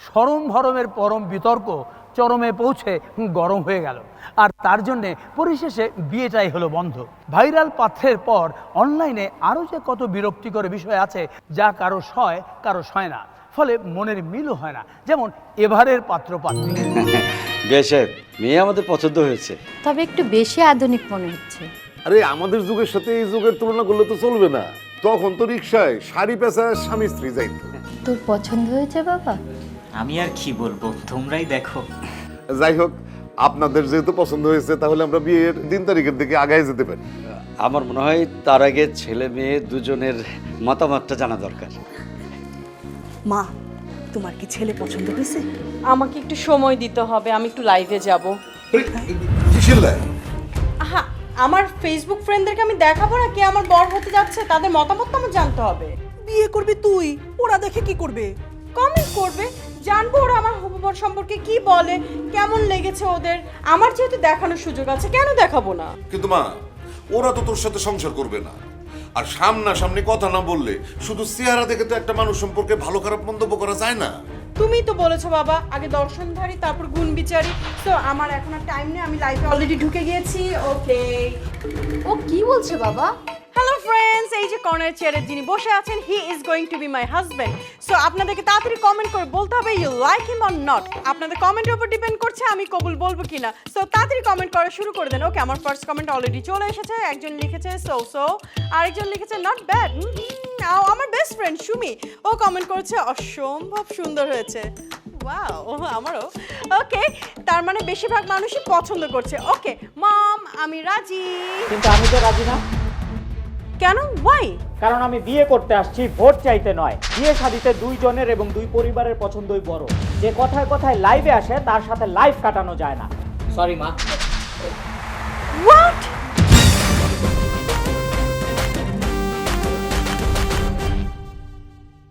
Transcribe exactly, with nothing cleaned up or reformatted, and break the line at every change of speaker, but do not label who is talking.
সরম ভরমের পরম বিতর্ক চরমে পৌঁছে গরম হয়ে গেল, আর তার জন্যে পরিশেষে বিয়েটাই হলো বন্ধ। ভাইরাল পাত্রের পর অনলাইনে আরও যে কত বিরক্তিকর বিষয় আছে যা কারো সয় কারো সয় না, ফলে মনের মিলও হয় না, যেমন এবারের পাত্র পাত্রী।
বেশ, মেয়ে আমাদের পছন্দ হয়েছে,
তবে একটু বেশি আধুনিক মনে হচ্ছে।
আরে আমাদের যুগের সাথে এই যুগের তুলনা করলে তো চলবে না। তখন তো রিক্সায় শাড়ি পেঁচা স্বামী স্ত্রী যাইত।
তোর পছন্দ হয়েছে বাবা?
আমি আর কি বলবো, তোমরাই দেখো।
যাই হোক, আপনাদের যেহেতু পছন্দ হয়েছে তাহলে আমরা বিয়ের দিন তারিখের দিকে আগায় যেতে পারি।
আমার মনে হয় তার আগে ছেলে মেয়ে দুজনের মতামতটা জানা দরকার।
মা, তোমার কি ছেলে পছন্দ হয়েছে?
আমাকে একটু সময় দিতে হবে, আমি একটু লাইভে যাব।
কিসের লাই?
হ্যাঁ, আমার ফেসবুক ফ্রেন্ডদেরকে আমি দেখাবো না কে আমার বর হতে যাচ্ছে, তাদের মতামত তো আমার জানতে হবে।
বিয়ে করবি তুই, ওরা দেখে কি করবে?
কমেন্ট করবে, জানবো ওরা আমার হবু বর সম্পর্কে কি বলে, কেমন লেগেছে ওদের। আমার যেহেতু দেখানোর সুযোগ আছে, কেন দেখাবো না?
কিন্তু মা, ওরা তো তোর সাথে সংসার করবে না। আর সামনাসামনি কথা না বললে শুধু চেহারা দেখে তো একটা মানুষ সম্পর্কে ভালো খারাপ মন্তব্য করা যায় না।
তুমি তো বলেছো বাবা, আগে দর্শনধারী তারপর গুণ বিচারি। তো আমার এখন আর টাইম নেই, আমি লাইফে অলরেডি ঢুকে গিয়েছি। ওকে।
ও কি বলছে বাবা?
হ্যালো ফ্রেন্ডস, এই যে কর্নার চেয়ারে যিনি বসে আছেন, he is going to be my husband. So আপনাদেরকে তাড়াতাড়ি কমেন্ট করে বলতে হবে you like him or not. আপনাদের কমেন্টের উপর ডিপেন্ড করছে আমি কবুল বলবো কিনা। সো তাড়াতাড়ি কমেন্ট করা শুরু করে দেন। ওকে, আমার ফার্স্ট কমেন্ট অলরেডি চলে এসেছে। একজন লিখেছে সো সো, আরেকজন লিখেছে নট ব্যাড। আমার বেস্ট ফ্রেন্ড সুমি, ও কমেন্ট করেছে অসম্ভব সুন্দর হয়েছে। ওয়াও, আমারও। ওকে, তার মানে বেশিরভাগ মানুষই পছন্দ করছে। ওকে মম, আমি রাজি।
কিন্তু আমি তো রাজি না।
কেন? ওয়াই?
কারণ আমি বিয়ে করতে আসছি, ভোট চাইতে নয়। বিয়ে শাদিতে দুইজনের এবং দুই পরিবারের পছন্দই বড়। যে কথায় কথায় লাইভে আসে তার সাথে লাইভ কাটানো যায় না। সরি মা।